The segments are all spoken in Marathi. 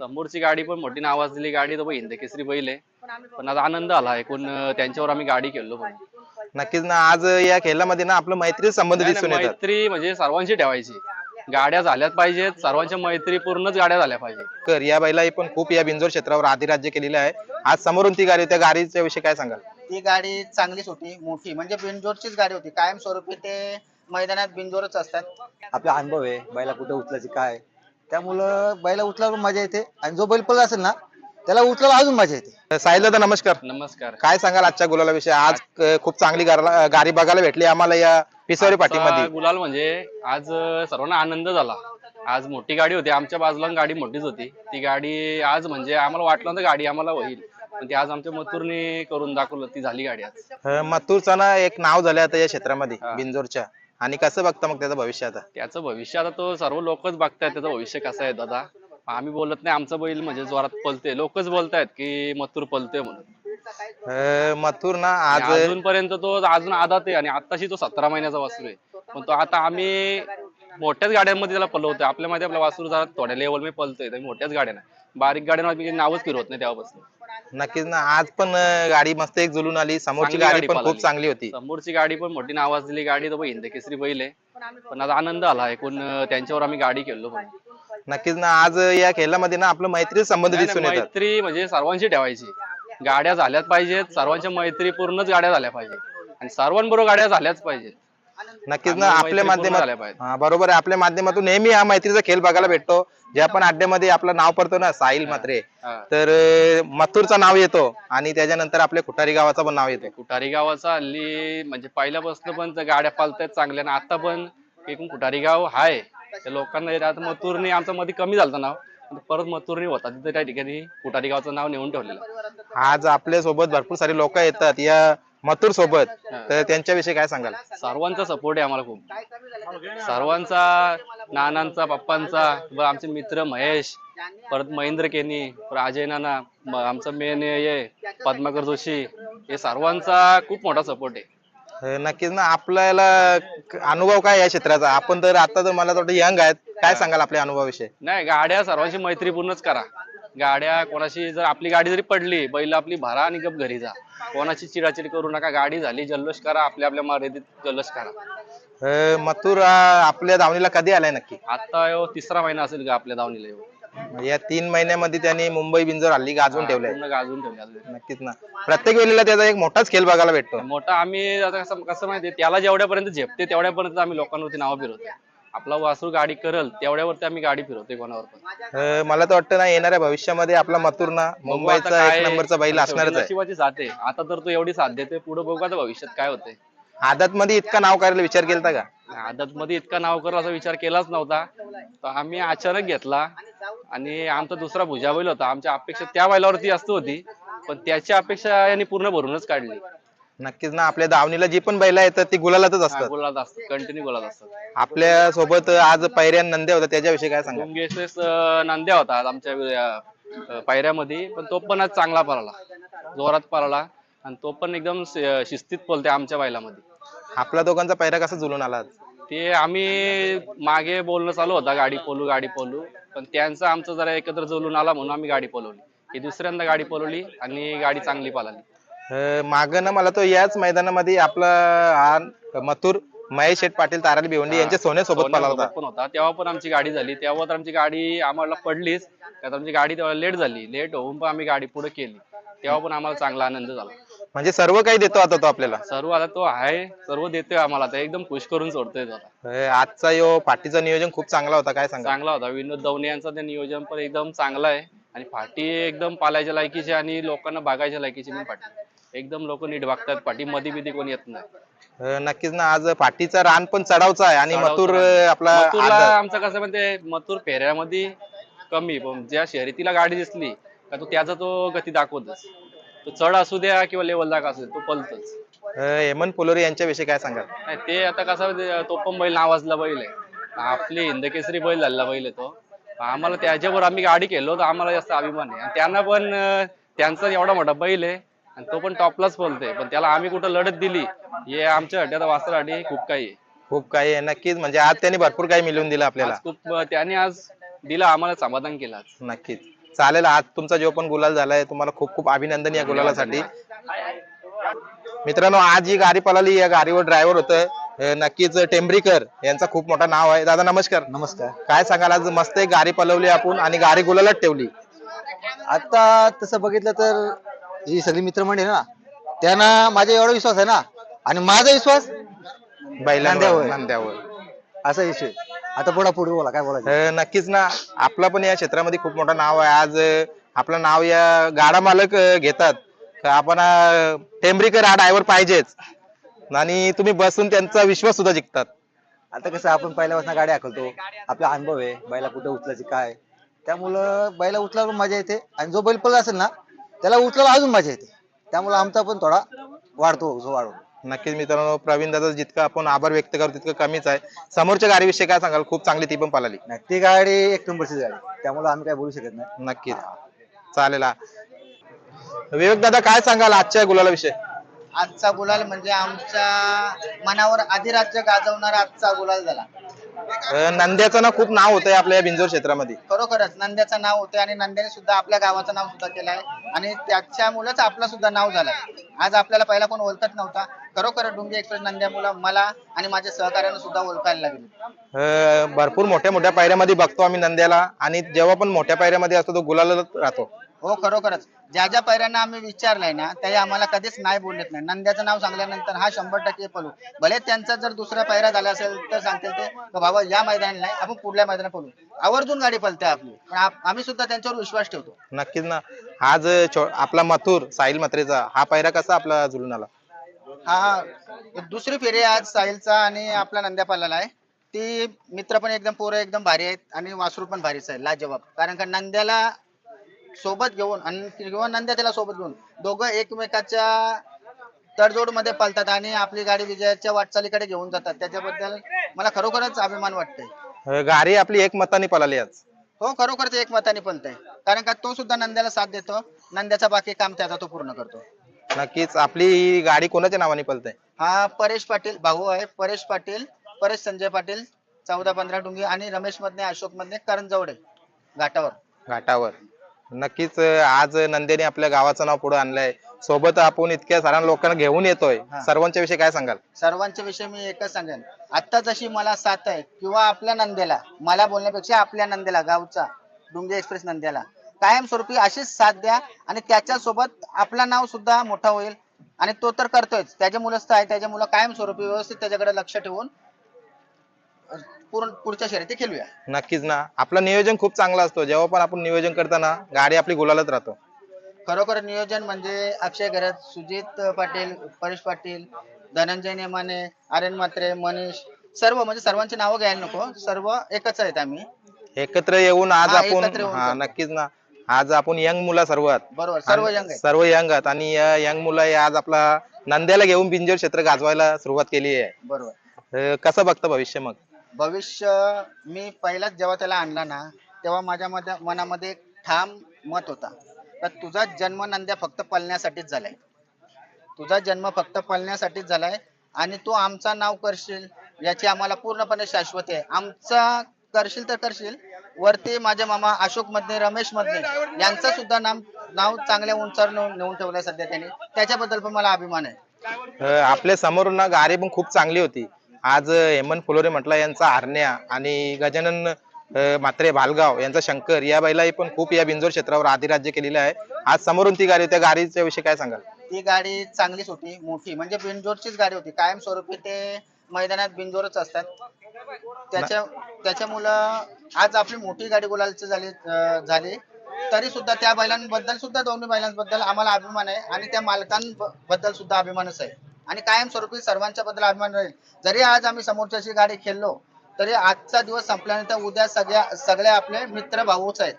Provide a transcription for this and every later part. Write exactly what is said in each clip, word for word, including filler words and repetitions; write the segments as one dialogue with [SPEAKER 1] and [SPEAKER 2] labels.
[SPEAKER 1] समोरची गाडी पण मोठी नावाजलेली गाडी तो हिंद केसरी बैल आहे. पण आज आनंद आला एकूण त्यांच्यावर आम्ही गाडी खेळलो. पण
[SPEAKER 2] नक्कीच ना, आज या खेळामध्ये ना आपलं मैत्री संबंध
[SPEAKER 1] नाही, नाही,
[SPEAKER 2] दिसून येतात.
[SPEAKER 1] मैत्री म्हणजे सर्वांची ठेवायची. गाड्या झाल्याच पाहिजेत, सर्वांच्या मैत्री पूर्णच गाड्या झाल्या पाहिजे.
[SPEAKER 2] कर या बैलाही पण खूप या बिंजोर क्षेत्रावर अधिराज्य केलेलं आहे. आज समोरून ती गाडी, त्या गाडीच्या विषयी काय सांगाल?
[SPEAKER 3] ती गाडी चांगलीच होती, मोठी म्हणजे बिनजोरचीच गाडी होती. कायमस्वरूपी ते मैदानात बिनजोरच असतात.
[SPEAKER 4] आपला अनुभव आहे बैला कुठे उचलायची काय, त्यामुळं बैला उचलावर मजा येते आणि जो बैल पळला असेल ना त्याला उचलावर अजून मजा येते.
[SPEAKER 2] साहिल दादा नमस्कार.
[SPEAKER 1] नमस्कार.
[SPEAKER 2] काय सांगाल आजच्या गुलाला विषयी? आज क- खूप चांगली गारला- गाडी बघायला भेटली आम्हाला या पिसावरी पाठीमध्ये.
[SPEAKER 1] आजचा गुलाल म्हणजे आज सर्वांना आनंद झाला. आज मोठी गाडी होती, आमच्या बाजूला गाडी मोठीच होती. ती गाडी आज म्हणजे आम्हाला वाटलं नव्हतं गाडी आम्हाला होईल, पण ती आज आमच्या मथुरने करून दाखवलं. ती झाली गाडी आज.
[SPEAKER 2] अं, मथुरचं ना एक नाव झालं आता या क्षेत्रामध्ये
[SPEAKER 1] हा.
[SPEAKER 2] बिंजोरच्या. आणि कसं बघता मग त्याचं भविष्य आता?
[SPEAKER 1] त्याचं भविष्य आता तो सर्व लोकच बघतायत त्याचं भविष्य कसं आहे दादा. आम्ही बोलत नाही, आमचा बैल म्हणजे जोरात पलते, लोकच बोलतायत की मथुर पलते म्हणून.
[SPEAKER 2] अं, मथुर ना
[SPEAKER 1] आणि
[SPEAKER 2] आज
[SPEAKER 1] अजूनपर्यंत तो अजून आदात आहे आणि आताशी तो सतरा महिन्याचा वासरू आहे. पण तो आता आम्ही मोठ्याच गाड्यांमध्ये त्याला पलवतोय. आपल्या मध्ये आपला वासरू जरा थोड्या लेवल मध्ये पलतोय, तर मोठ्याच गाड्या नाही, बारीक गाड्यांना आम्ही नावच फिरवत नाही तेव्हापासून.
[SPEAKER 2] नक्कीच ना, आज पण अं, गाडी मस्त एक जुलून आली. समोरची
[SPEAKER 1] चांगली
[SPEAKER 2] गाडी
[SPEAKER 1] गाडी
[SPEAKER 2] पण
[SPEAKER 1] पळाली.
[SPEAKER 2] खूप चांगली होती.
[SPEAKER 1] समोरची गाडी पण मोठी नावाजलेली गाडी तो हिंद केसरी बैल आहे. पण आज आनंद आला एकूण त्यांच्यावर आम्ही गाडी खेळलो. पण
[SPEAKER 2] नक्कीच ना, आज या खेळामध्ये ना आपलं मैत्री संबंध
[SPEAKER 1] नाही,
[SPEAKER 2] दिसून
[SPEAKER 1] नाही,
[SPEAKER 2] येतात.
[SPEAKER 1] मैत्री म्हणजे सर्वांची ठेवायची. गाड्या झाल्याच पाहिजेत, सर्वांच्या मैत्री पूर्णच गाड्या झाल्या पाहिजेत आणि सर्वांबरोबर गाड्या झाल्याच पाहिजेत.
[SPEAKER 2] नक्कीच ना,
[SPEAKER 1] आम्हाला
[SPEAKER 2] आपल्या
[SPEAKER 1] मैत्री पूर्ण झाल्या
[SPEAKER 2] माध्यमात
[SPEAKER 1] पाहिजेत.
[SPEAKER 2] हा, बरोबर आहे. आपल्या माध्यमातून नेहमी हा मैत्रीचा खेळ बघायला भेटतो. ज्या पण अड्ड्यामध्ये आपलं नाव पडतो ना साहिल म्हात्रे,
[SPEAKER 1] हा.
[SPEAKER 2] तर अं, मथुरचं नाव येतो आणि त्याच्यानंतर आपल्या खुटारी गावाचं पण नाव येतं.
[SPEAKER 1] कुठारी गावाचा हल्ली म्हणजे पहिल्यापासून पण त्या गाड्या पालतायत चांगल्या आणि आता पण एकूण कुठारी गाव हाय. त्या लोकांना येत. आता मथुरने आमचं मध्ये कमी झालं नाव, आता परत मथुरने होता तिथे त्या ठिकाणी कुठारी गावचं नाव नेऊन ठेवलेलं.
[SPEAKER 2] आज आपल्या सोबत भरपूर सारे लोक येतात या मथुर सोबत, तर त्यांच्याविषयी काय सांगाल?
[SPEAKER 1] सर्वांचा सपोर्ट आहे आम्हाला खूप, सर्वांचा, नानांचा, पप्पांचा, व आमचे मित्र महेश, परत महेंद्र केनी, परत अजय नाना, म- आमचा मेन ये पद्माकर जोशी, हे सर्वांचा खूप मोठा सपोर्ट आहे.
[SPEAKER 2] अं, नक्कीच ना, आपल्याला क- अनुभव काय या क्षेत्राचा? आपण तर आता तर मला वाटतं यंग आहेत. काय सांगाल आपल्या अनुभवाविषयी?
[SPEAKER 1] नाही, गाड्या सर्वांची मैत्रीपूर्णच करा. गाड्या कोणाशी जर आपली गाडी जरी पडली, बैल आपली भरा आणि गप घरी जा. कोणाची चिडाचिड करू नका. गाडी झाली जल्लोष करा, आपल्या आपल्या मर्यादित जल्लोष करा.
[SPEAKER 2] अं, मथुर अं, आपल्या दावणीला कधी आलाय नक्की?
[SPEAKER 1] आता ह्यो तिसरा महिना असेल का आपल्या दावणीला ह्यो.
[SPEAKER 2] या तीन महिन्यामध्ये त्यांनी मुंबई बिंजोर हल्ली गाजवून ठेवलंय.
[SPEAKER 1] पूर्ण गाजून ठेवले अजून.
[SPEAKER 2] नक्कीच ना, प्रत्येक वेळेला त्याचा एक मोठाच खेळ बघायला भेटतो.
[SPEAKER 1] मोठा आम्ही आता कसं कसं माहितीये, त्याला जेवढ्यापर्यंत झेपते तेवढ्यापर्यंत आम्ही लोकांवरती नावं फिरवतो. आपला वासरू गाडी करल तेवढ्यावरती आम्ही गाडी फिरवतोय कोणावर पण.
[SPEAKER 2] अं, मला तर वाटतं ना, येणाऱ्या भविष्यामध्ये आपला मथुर ना
[SPEAKER 1] बघू आता
[SPEAKER 2] मुंबईचा
[SPEAKER 1] काय,
[SPEAKER 2] एक नंबरचा बैल
[SPEAKER 1] शेवटी
[SPEAKER 2] असणारच आहे.
[SPEAKER 1] नशिबाची साथ आहे. आता तर तो एवढी साथ देते, पुढे बघू आता भविष्यात काय होतंय.
[SPEAKER 2] आदत मध्ये इतका नाव करायला विचार केलता का?
[SPEAKER 1] आदत मध्ये इतका नाव करू असा विचार केलाच नव्हता. तर आम्ही अचानक घेतला आणि आमचा दुसरा भुजा बैल होता. आमच्या अपेक्षा त्या बैलावरती जास्त होती, पण त्याची अपेक्षा यांनी पूर्ण भरूनच काढली.
[SPEAKER 2] नक्कीच ना, आपल्या दावणीला जी पण बैला येतात ती गुलालातच असतात.
[SPEAKER 1] बोलात असतात, कंटिन्यू बोलात असतात.
[SPEAKER 2] आपल्या सोबत आज पैऱ्यान नंद्या होता, त्याच्याविषयी काय सांगा?
[SPEAKER 1] डोंगेश्वेस नांद्या होता आज आमच्या अं, पायऱ्यामध्ये, पण तो पण आज चांगला पळाला, जोरात पळाला आणि तो पण एकदम शि- शिस्तीत पळते आमच्या बैलामध्ये.
[SPEAKER 2] आपला दोघांचा पैरा कसा जुलून आला आज?
[SPEAKER 1] ते आम्ही मागे बोलणं चालू होता गाडी पोलू गाडी पोलू, पण त्यांचं आमचं जरा एकत्र जुळून आला म्हणून आम्ही गाडी पळवली. ही दुसऱ्यांदा गाडी पळवली आणि गाडी चांगली पळाली.
[SPEAKER 2] अं, मागं ना मला तो याच मैदानामध्ये आपला हा मथुर महेश शेठ पाटील ताराली भिवंडी यांच्या सोन्यासोबत पळाला होता.
[SPEAKER 1] सोन्यासोबत पण होता, तेव्हा पण आमची गाडी झाली. तेव्हा तर आमची गाडी आम्हाला पडलीच, त्यात आमची गाडी तेव्हा लेट झाली. लेट होऊन पण आम्ही गाडी पुढे केली. तेव्हा पण आम्हाला चांगला आनंद झाला.
[SPEAKER 2] म्हणजे सर्व काही देतो आता तो आपल्याला.
[SPEAKER 1] सर्व आता तो आहे, सर्व देतोय आम्हाला, आता एकदम खुश करून सोडतोय तो आता.
[SPEAKER 2] अं, आजचा यो पाठीचं नियोजन खूप चांगला होता. काय सांगा?
[SPEAKER 1] चांगला होता. विनोद दवणे यांचा ते नियोजन पण एकदम चांगला आहे आणि फाटी एकदम पालायच्या लायकीची आणि लोकांना बघायच्या लायकीची पण फाटी. एकदम लोक नीट बघतात. पाठी मध्ये बिधी कोणी येत नाही.
[SPEAKER 2] अं, नक्कीच ना, आज पाठीचा रान पण चढावचा आहे आणि
[SPEAKER 1] चढावचा
[SPEAKER 2] मथुर
[SPEAKER 1] रान.
[SPEAKER 2] अं, आपला
[SPEAKER 1] मथुरला
[SPEAKER 2] आदत.
[SPEAKER 1] आमचं कसं म्हणजे मथुर फेऱ्यामध्ये कमी, पण ज्या शर्यतीला गाडी दिसली का तो त्याचा तो गती दाखवतच. तो चढ असू द्या किंवा लेवल दाखवा असू द्या, तो पलतच.
[SPEAKER 2] अं, हेमंत पोलोरे यांच्याविषयी काय सांगाल?
[SPEAKER 1] नाही, ते आता कसं तो पण बैल नावाजला बैल आहे, आपली हिंद केसरी बैल झालेला बैल आहे तो. आम्हाला त्याच्यावर आम्ही गाडी केलो तर आम्हाला जास्त अभिमान आहे. आणि त्यांना पण अं, त्यांचा एवढा मोठा बैल आहे आणि तो पण टॉपलाच बोलतोय, पण त्याला आम्ही कुठं लढत दिली, हे आमच्या हड्ड्यात वासरासाठी खूप काही आहे.
[SPEAKER 2] खूप काही आहे. नक्कीच म्हणजे आज त्यांनी भरपूर काही मिळवून दिलं आपल्याला.
[SPEAKER 1] आज खूप त्याने आज दिला, आम्हाला समाधान केलं आज.
[SPEAKER 2] नक्कीच. चालेल, आज तुमचा जो पण गुलाल झालाय तुम्हाला खूप खूप अभिनंदन या गुलालासाठी. मित्रांनो, आज जी गाडी पळाली या गाडीवर ड्रायव्हर होतं अं, नक्कीच टेंभरीकर यांचा खूप मोठा नाव आहे. दादा नमस्कार.
[SPEAKER 4] नमस्कार.
[SPEAKER 2] काय सांगाल, आज मस्त एक गाडी पळवली आपण आणि गाडी गुलालात ठेवली.
[SPEAKER 4] आता तसं बघितलं तर ही सगळी मित्रमंडळी ना, त्यांना माझा एवढा विश्वास आहे ना, आणि माझा विश्वास
[SPEAKER 2] बैलांवर
[SPEAKER 4] नांद्यावर.
[SPEAKER 2] नांद्यावर
[SPEAKER 4] असा विषय. आता पुढे पुढे बोला काय बोलायचं.
[SPEAKER 2] अं, नक्कीच ना, आपला पण या क्षेत्रामध्ये खूप मोठं नाव आहे. आज अं, आपलं नाव या गाडा मालक अं, घेतात का आपण अं, टेंभरीकर हा ड्रायव्हर पाहिजेच, आणि तुम्ही बसून त्यांचा विश्वास सुद्धा जिंकतात.
[SPEAKER 4] आता कसं आपण पहिल्यापासून गाडी हाकलतो, आपला अनुभव आहे बैला कुठे उचलायची काय, त्यामुळं बैला उचलायला मजा येते, आणि जो बैल पळला असेल ना त्याला उचलायला अजून मजा येते. त्यामुळे आमचा पण थोडा वाढतो जो वाढतो.
[SPEAKER 2] नक्कीच मित्रांनो, प्रवीण दादा जितकं आपण आभार व्यक्त करू तितकं कमीच आहे. समोरच्या गाडीविषयी काय सांगाल? खूप चांगली ती पण पळाली.
[SPEAKER 4] नाही, ती गाडी एक नंबरची गाडी, त्यामुळे आम्ही काय बोलू शकत नाही.
[SPEAKER 2] नक्कीच चालेल. हा. विवेक दादा काय सांगाल आजच्या गुलाला विषय?
[SPEAKER 3] आजचा गुलाल म्हणजे आमच्या मनावर अधिराज्य गाजवणारा आजचा गुलाल झाला.
[SPEAKER 2] नंद्याचं ना खूप नाव होतंय आपल्या या बिंजोर क्षेत्रामध्ये.
[SPEAKER 3] खरोखरच नंद्याचं नाव होते, आणि नंद्याने सुद्धा आपल्या गावाचं नाव सुद्धा केलं आहे, आणि त्याच्यामुळेच आपलं सुद्धा नाव झालंय. आज आपल्याला पहिला कोण ओळखत नव्हता. खरोखर डुंगी एक्सप्रेस नंद्यामुळे मला आणि माझ्या सहकार्यानं सुद्धा ओळखायला लागले.
[SPEAKER 2] अं, भरपूर मोठ्या मोठ्या पायऱ्यामध्ये बघतो आम्ही नंद्याला, आणि जेव्हा पण मोठ्या पायऱ्यामध्ये असतो तो गुलालात राहतो.
[SPEAKER 3] हो, खरोखरच ज्या ज्या पैऱ्यांना आम्ही विचारलंय ना, ते आम्हाला कधीच नाही बोलत नाही. नंद्याचं नाव सांगल्यानंतर हा शंभर टक्के पळू. भले त्यांचा जर दुसरा पैरा झाला असेल तर सांगतील ते का बाबा या मैदानात नाही, आपण पुढल्या मैदानात पळू. आवर्जून गाडी पळते आपली, पण आप- आम्ही सुद्धा त्यांच्यावर विश्वास ठेवतो.
[SPEAKER 2] नक्कीच ना. आज छो- आपला मथुर साहिल मत्रेचा हा पायरा कसा आपला जुळून आला?
[SPEAKER 3] हा दुसरी फेरी आज साहिलचा आणि आपला नंद्या पळाला आहे. ती मित्र पण एकदम पोरं एकदम भारी आहेत, आणि वासरू पण भारीच आहे, लाजवाब. कारण का नंद्याला सोबत घेऊन आणि किंवा नंद्या त्याला सोबत घेऊन दोघं एकमेकाच्या तडजोड मध्ये पळतात, आणि आपली गाडी विजयाच्या वाटचालीकडे घेऊन जातात. त्याच्याबद्दल मला खरोखरच अभिमान वाटतंय.
[SPEAKER 2] अं, गाडी आपली एक मताने पळाली आज.
[SPEAKER 3] हो, खरोखरच एक मताने पळतंय, कारण का तो सुद्धा नंद्याला साथ देतो. नंद्याचा बाकी काम त्याचा तो पूर्ण करतो.
[SPEAKER 2] नक्कीच. आपली ही गाडी कोणाच्या नावाने पळते?
[SPEAKER 3] हा परेश पाटील भाऊ आहे. परेश पाटील, परेश संजय पाटील, चौदा पंधरा डुंगी, आणि रमेश मधने, अशोक मधने, करंजवडे घाटावर.
[SPEAKER 2] घाटावर. नक्कीच अं, आज नंद्याने आपल्या गावाचं नाव पुढे आणलंय. सोबत आपण इतक्या साऱ्या लोकांना घेऊन येतोय,
[SPEAKER 3] हा.
[SPEAKER 2] सर्वांच्या विषयी काय सांगाल?
[SPEAKER 3] सर्वांच्या विषयी मी एकच सांगेन, आता जशी मला साथ आहे, किंवा आपल्या नंद्याला, मला बोलण्यापेक्षा आपल्या नंद्याला, गावचा डुंगी एक्सप्रेस नंद्याला कायमस्वरूपी अशीच साथ द्या, आणि त्याच्यासोबत आपला नाव सुद्धा मोठा होईल. आणि तो तर करतोय, त्याच्यामुळेच तर आहे. त्याच्यामुळे कायमस्वरूपी व्यवस्थित त्याच्याकडे लक्ष ठेवून पूर्ण पुढच्या शर्यती खेळूया.
[SPEAKER 2] नक्कीच ना. आपलं नियोजन खूप चांगलं असतो. जेव्हा पण आपण नियोजन करताना गाडी आपली गुलालत राहतो.
[SPEAKER 3] खरोखर नियोजन म्हणजे अक्षय गरज, सुजित पाटील, परेश पाटील, धनंजय नेमाने, आर्यन म्हात्रे, मनीष, सर्व म्हणजे सर्वांची नावं घ्यायला नको, सर्व एकच आहेत आम्ही.
[SPEAKER 2] एकत्र येऊन आज
[SPEAKER 3] हा,
[SPEAKER 2] आपण
[SPEAKER 3] एकत्र येऊन
[SPEAKER 2] हा
[SPEAKER 3] करतो.
[SPEAKER 2] नक्कीच ना. आज आपण यंग मुलं सर्वात
[SPEAKER 3] बरोबर, सर्व
[SPEAKER 2] आणि
[SPEAKER 3] यंग आहेत.
[SPEAKER 2] सर्व यंग आहेत, आणि या यंग मुलं हे आज आपला नंद्याला घेऊन बिंजोर क्षेत्र गाजवायला सुरुवात केली आहे.
[SPEAKER 3] बरोबर.
[SPEAKER 2] अं, कसं बघतं भविष्य मग?
[SPEAKER 3] भविष्य मी पहिलाच जेव्हा त्याला आणला ना, तेव्हा माझ्या मध्ये मनामध्ये एक ठाम मत होता, तर तुझा जन्म नंद्या फक्त पळण्यासाठीच झालाय. तुझा जन्म फक्त पळण्यासाठीच झालाय, आणि तू आमचा नाव करशील याची आम्हाला पूर्णपणे शाश्वत आहे. आमचा करशील तर करशील, वरती माझे मामा अशोक मधने, रमेश मधने यांचं सुद्धा नाम नाव चांगल्या उंचावर नेऊन नेऊन ठेवलंय सध्या त्यांनी. त्याच्याबद्दल पण मला अभिमान आहे.
[SPEAKER 2] अं, आपल्या समोर ना गाडी पण खूप चांगली होती. आज अं, हेमंत फुलोरे म्हटलं यांचा हरण्या, आणि गजानन अं, म्हात्रे भालगाव यांचा शंकर, या बैलाही पण खूप या बिंजोर क्षेत्रावर अधिराज्य केलेलं आहे. आज समोरून ती गाडी, त्या गाडीच्या विषयी काय सांगाल?
[SPEAKER 3] ती गाडी चांगलीच होती, मोठी म्हणजे बिनजोडचीच गाडी होती. कायमस्वरूपी ते मैदानात बिनजोडच असतात. त्याच्या त्याच्यामुळं आज आपली मोठी गाडी गुलालची झाली अं, झाली तरी सुद्धा त्या बैलांबद्दल सुद्धा, दोन्ही बैलांबद्दल आम्हाला अभिमान आहे, आणि त्या मालकांबद्दल सुद्धा अभिमानच आहे, आणि कायमस्वरूपी सर्वांच्या बद्दल अभिमान राहील. जरी आज आम्ही समोरच्याची गाडी खेळलो, तरी आजचा दिवस संपल्यानंतर उद्या सगळ्या सगळे आपले मित्र भाऊच आहेत.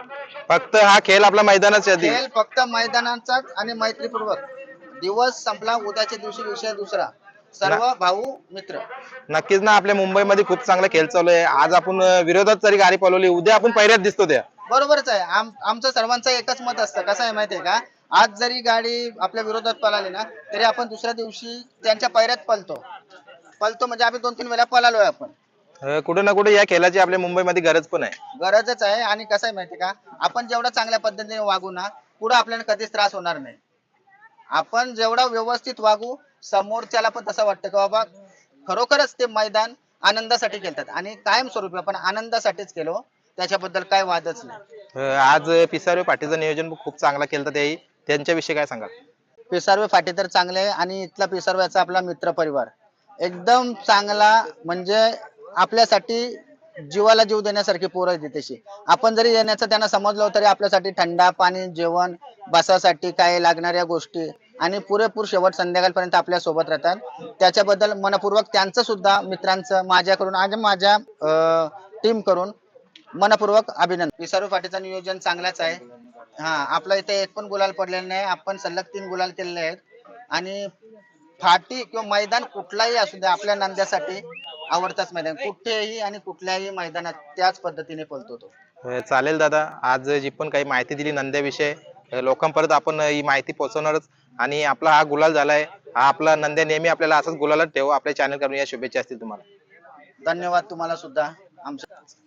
[SPEAKER 2] फक्त हा खेळ आपला मैदानाच्या आधी.
[SPEAKER 3] खेळ फक्त मैदानाचाच आणि मैत्रीपूर्वक. दिवस संपला, उद्याच्या दिवशी विषय दुसरा. सर्व भाऊ मित्र.
[SPEAKER 2] नक्कीच ना. आपल्या मुंबईमध्ये खूप चांगला खेळ चालू आहे. आज आपण अं, विरोधात जरी गाडी पळवली, उद्या आपण पहिल्यात दिसतो त्या.
[SPEAKER 3] बरोबरच आहे. आम आमचं सर्वांचं एकच मत असतं. कसं आहे माहितीये का, आज जरी गाडी आपल्या विरोधात पळाली ना, तरी आपण दुसऱ्या दिवशी त्यांच्या पैऱ्यात पळतो. पळतो म्हणजे आम्ही दोन तीन वेळा पळालोय आपण.
[SPEAKER 2] अं, कुठे ना कुठे या खेळाची आपल्या मुंबईमध्ये गरज पण आहे.
[SPEAKER 3] गरजच आहे. आणि कसं आहे माहिती का, आपण जेवढं चांगल्या पद्धतीने वागू ना, पुढे आपल्याला कधीच त्रास होणार नाही. आपण जेवढं व्यवस्थित वागू, समोरच्याला पण तसं वाटतं की बाबा खरोखरच ते मैदान आनंदासाठी खेळतात आणि कायमस्वरूपी आपण आनंदासाठीच केलो, त्याच्याबद्दल काय वादच नाही.
[SPEAKER 2] अं, आज पिसारे पाटीचं नियोजन खूप चांगला केलं त्याही, त्यांच्याविषयी काय सांगाल?
[SPEAKER 3] पिसारवे फाटे तर चांगले आहे आणि इथला पिसारव्याचा आपला मित्र परिवार एकदम चांगला, म्हणजे आपल्यासाठी जीवाला जीव देण्यासारखी पोरं आहे तशी. आपण जरी येण्याचं त्यांना समजलो तरी आपल्यासाठी थंडा पाणी, जेवण, बसासाठी काय लागणाऱ्या गोष्टी आणि पुरेपूर शेवट संध्याकाळपर्यंत आपल्या सोबत राहतात. त्याच्याबद्दल मनपूर्वक त्यांचं सुद्धा, मित्रांचं माझ्याकडून आणि माझ्या टीम करून मनपूर्वक अभिनंदन. पिसारू फाटीचं नियोजन चांगलाच आहे. हा, आपल्या इथे एक पण गुलाल पडलेला नाही. आपण सलग तीन गुलाल केलेले आहेत आणि फाटी किंवा मैदान कुठलाही असू दे, आपल्या नंद्यासाठी आवडताच मैदान. कुठेही आणि कुठल्याही मैदानात त्याच पद्धतीने पळतो तो.
[SPEAKER 2] अं, चालेल दादा, आज जी पण काही माहिती दिली नंद्याविषयी, अं, लोकांपर्यंत आपण ही माहिती पोहोचवणारच. आणि आपला हा गुलाल झालाय, हा आपला नंद्या नेहमी आपल्याला असंच गुलालच ठेवू. आपल्या चॅनल करून या शुभेच्छा असतील तुम्हाला.
[SPEAKER 3] धन्यवाद तुम्हाला सुद्धा. आमच्या